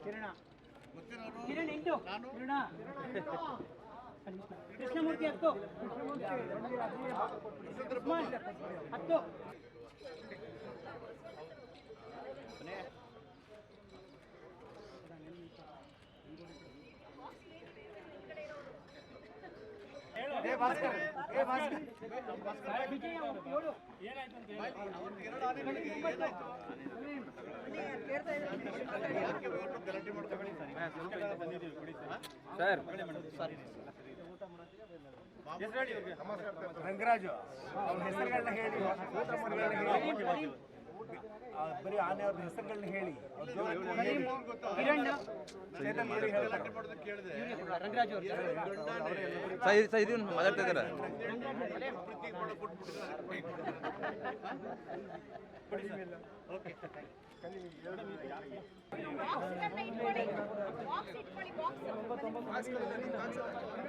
ಕಿರಣ ಕಿರಣ್ 8 ಕಿರಣ ಕೃಷ್ಣಮೂರ್ತಿ 10 ಉಸ್ಮಾನ್ 10 ರಂಗರಾಜು ಅವ್ರ ಹೆಸರುಗಳನ್ನ ಹೇಳಿ, ಬರೀ ಆನೆಯವ್ರ ಹೆಸರುಗಳನ್ನ ಹೇಳಿ. ಕಿರಣ್ ರಂಗರಾಜ್ ಮಾತಾಡ್ತಾ ಇದ್ದಾರೆ. ಬಾಕ್ಸ್ ಇಟ್ಕೊಳ್ಳಿ ಬಾಕ್ಸ್